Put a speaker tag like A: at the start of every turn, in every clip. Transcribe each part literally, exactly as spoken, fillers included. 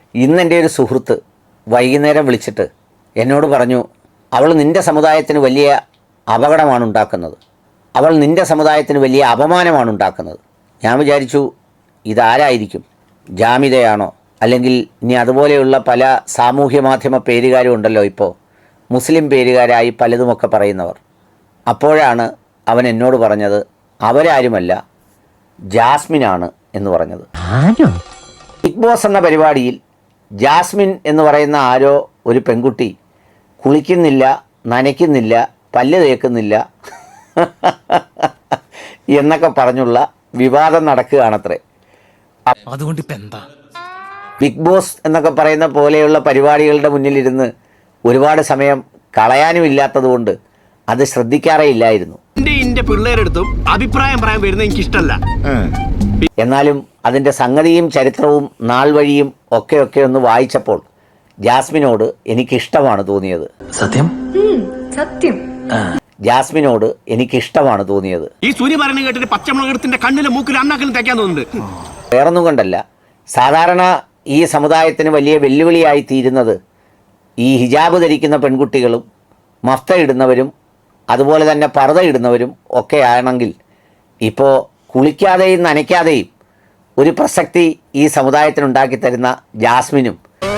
A: ഇന്നെൻ്റെ ഒരു സുഹൃത്ത് വൈകുന്നേരം വിളിച്ചിട്ട് എന്നോട് പറഞ്ഞു, അവൾ നിൻ്റെ സമുദായത്തിന് വലിയ അപകടമാണ് ഉണ്ടാക്കുന്നത്, അവൾ നിൻ്റെ സമുദായത്തിന് വലിയ അപമാനമാണ് ഉണ്ടാക്കുന്നത്. ഞാൻ വിചാരിച്ചു, ഇതാരായിരിക്കും? ജാമിതയാണോ? അല്ലെങ്കിൽ ഇനി അതുപോലെയുള്ള പല സാമൂഹ്യ മാധ്യമ പേരുകാരും ഉണ്ടല്ലോ ഇപ്പോൾ, മുസ്ലിം പേരുകാരായി പലതുമൊക്കെ പറയുന്നവർ. അപ്പോഴാണ് അവൻ എന്നോട് പറഞ്ഞത്, അവരാരുമല്ല, ജാസ്മിനാണ് എന്ന് പറഞ്ഞത്. ബിഗ് ബോസ് എന്ന പരിപാടിയിൽ ജാസ്മിൻ എന്ന് പറയുന്ന ആരോ ഒരു പെൺകുട്ടി കുളിക്കുന്നില്ല, നനയ്ക്കുന്നില്ല, പല്ല് തേക്കുന്നില്ല എന്നൊക്കെ പറഞ്ഞുള്ള വിവാദം നടക്കുകയാണത്രേ.
B: അതുകൊണ്ട് ഇപ്പം എന്താ?
A: ബിഗ് ബോസ് എന്നൊക്കെ പറയുന്ന പോലെയുള്ള പരിപാടികളുടെ മുന്നിലിരുന്ന് ഒരുപാട് സമയം കളയാനും ഇല്ലാത്തതുകൊണ്ട് അത് ശ്രദ്ധിക്കാറേ ഇല്ലായിരുന്നു.
C: പിള്ളേരെടുത്തും അഭിപ്രായം പറയാൻ വരുന്നത് എനിക്ക് ഇഷ്ടമല്ല.
A: എന്നാലും അതിൻ്റെ സംഗതിയും ചരിത്രവും നാൾ വഴിയും ഒക്കെ ഒക്കെ ഒന്ന് വായിച്ചപ്പോൾ ജാസ്മിനോട് എനിക്കിഷ്ടമാണ് തോന്നിയത്.
B: സത്യം
D: സത്യം
A: ജാസ്മിനോട് എനിക്കിഷ്ടമാണ് തോന്നിയത്.
C: ഈ സൂര്യ പറയുന്നത് കേട്ടിട്ട് പച്ചമുളകത്തിന്റെ കണ്ണിലും മൂക്കിലും അണ്ണാക്കിലും തയ്ക്കാൻ തോന്നുന്നുണ്ട്.
A: വേറൊന്നും കൊണ്ടല്ല, സാധാരണ ഈ സമുദായത്തിന് വലിയ വെല്ലുവിളിയായി തീരുന്നത് ഈ ഹിജാബ് ധരിക്കുന്ന പെൺകുട്ടികളും മഫ്ത ഇടുന്നവരും അതുപോലെ തന്നെ പർദ്ദ ഇടുന്നവരും ഒക്കെ ആണെങ്കിൽ ഇപ്പോൾ കുളിക്കാതെയും നനയ്ക്കാതെയും ഒരു പ്രസക്തി ഈ സമുദായത്തിനുണ്ടാക്കി തരുന്ന ജാസ്മിനും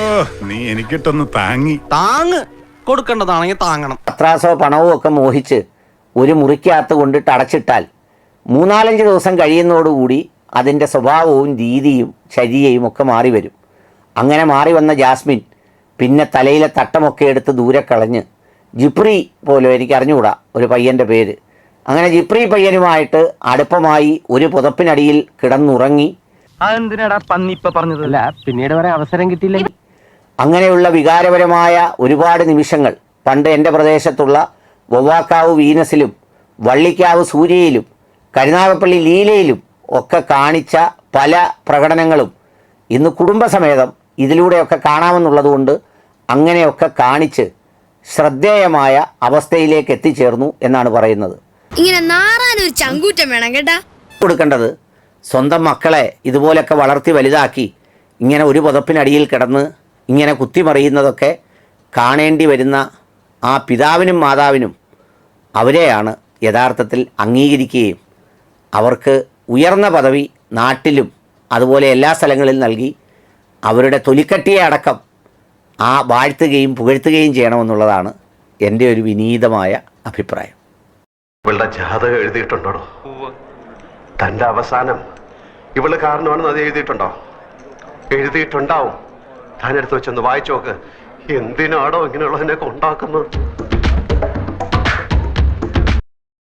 E: നീ എനിക്കിട്ടൊന്ന് താങ്ങി
B: താങ്ങ് കൊടുക്കേണ്ടതാണെങ്കിൽ താങ്ങണം.
A: പത്രാസോ പണവും ഒക്കെ മോഹിച്ച് ഒരു മുറിക്കകത്ത് കൊണ്ടിട്ട് അടച്ചിട്ടാൽ മൂന്നാലഞ്ച് ദിവസം കഴിയുന്നതോടുകൂടി അതിൻ്റെ സ്വഭാവവും രീതിയും ചര്യയും ഒക്കെ മാറി വരും. അങ്ങനെ മാറി വന്ന ജാസ്മിൻ പിന്നെ തലയിലെ തട്ടമൊക്കെ എടുത്ത് ദൂരെ കളഞ്ഞ് ജിപ്രി പോലും, എനിക്ക് അറിഞ്ഞുകൂടാ ഒരു പയ്യൻ്റെ പേര്, അങ്ങനെ ജിപ്രി പയ്യനുമായിട്ട് അടുപ്പമായി ഒരു പുതപ്പിനടിയിൽ കിടന്നുറങ്ങി.
F: അതെന്തിനാടാ പന്നി ഇപ്പൊ പറഞ്ഞതല്ല, പിന്നീട് വരെ അവസരം കിട്ടിയില്ല.
A: അങ്ങനെയുള്ള വികാരപരമായ ഒരുപാട് നിമിഷങ്ങൾ പണ്ട് എൻ്റെ പ്രദേശത്തുള്ള വവ്വാക്കാവ് വീനസിലും വള്ളിക്കാവ് സൂര്യയിലും കരുനാഗപ്പള്ളി ലീലയിലും ഒക്കെ കാണിച്ച പല പ്രകടനങ്ങളും ഇന്ന് കുടുംബസമേതം ഇതിലൂടെയൊക്കെ കാണാമെന്നുള്ളതുകൊണ്ട് അങ്ങനെയൊക്കെ കാണിച്ച് ശ്രദ്ധേയമായ അവസ്ഥയിലേക്ക് എത്തിച്ചേർന്നു എന്നാണ് പറയുന്നത്.
D: ഇങ്ങനെ നാറാനൊരു ചങ്കൂറ്റം വേണം കേട്ടാ.
A: കൊടുക്കേണ്ടത് സ്വന്തം മക്കളെ ഇതുപോലൊക്കെ വളർത്തി വലുതാക്കി ഇങ്ങനെ ഒരു പുതപ്പിനടിയിൽ കിടന്ന് ഇങ്ങനെ കുത്തിമറിയുന്നതൊക്കെ കാണേണ്ടി വരുന്ന ആ പിതാവിനും മാതാവിനും അവരെയാണ് യഥാർത്ഥത്തിൽ അംഗീകരിക്കുകയും അവർക്ക് ഉയർന്ന പദവി നാട്ടിലും അതുപോലെ എല്ലാ സ്ഥലങ്ങളിൽ നൽകി അവരുടെ തൊലിക്കട്ടിയെ അടക്കം ആ വാഴ്ത്തുകയും പുകഴ്ത്തുകയും ചെയ്യണമെന്നുള്ളതാണ് എൻ്റെ ഒരു വിനീതമായ അഭിപ്രായം.
G: ഇവളുടെ ജാതകം എഴുതിയിട്ടുണ്ടോ? തൻ്റെ അവസാനം ഇവള് കാരണമാണെന്ന് അത് എഴുതിയിട്ടുണ്ടോ? എഴുതിയിട്ടുണ്ടാവും. താനെടുത്ത് വെച്ചൊന്ന് വായിച്ചു നോക്ക്. എന്തിനാണോ ഇങ്ങനെയുള്ളതിനൊക്കെ ഉണ്ടാക്കുന്നത്?